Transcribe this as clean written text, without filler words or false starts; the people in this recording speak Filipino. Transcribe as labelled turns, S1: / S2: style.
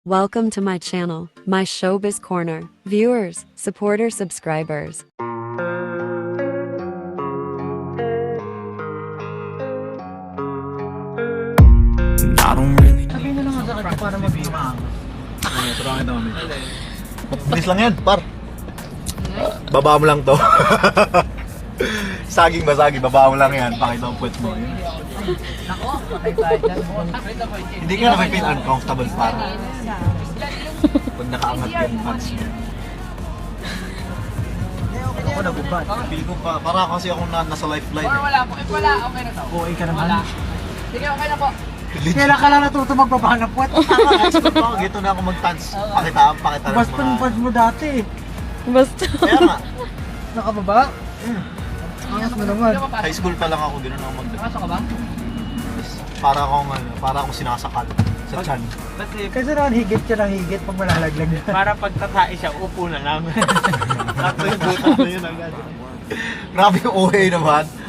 S1: Welcome to my channel, my Showbiz Corner. Viewers, supporters, subscribers.
S2: I don't really know.
S3: Sabihin mo naman sa kanya para mag-imang.
S4: Surangin naman. Bilis lang yan, par. Baba mo lang to. Saging ba saging, baba mo lang yan. Pakita ang puwet mo.
S3: Nako, patay tayo dyan.
S4: Hindi ka na may feel uncomfortable, par. Pag nakaangat yung pants mo.
S3: Ako nagubad.
S4: Feel ko pa, para kasi ako nasa lifeline.
S5: Or wala po. If wala, okay na to.
S3: Okay ka naman.
S5: Sige, okay na po.
S3: Kailan ka lang natuto magbabahan ng puwet?
S4: Expert ako, gito na ako mag-pants. Pakita lang
S3: Basta yung pads mo dati eh.
S1: Basta.
S4: Kaya nga,
S3: Nakababa? Angas mo naman.
S4: high school pa lang ako, gano'n ako mag
S5: Pasok ka ba?
S4: para akong sinasakal sa tiyan.
S3: Kasi naman higit ka ng higit pag malalaglag na.
S6: Para pag tatae siya, upo na lang.
S4: Sakto yung butas na yun agad. Grabe yung OA naman.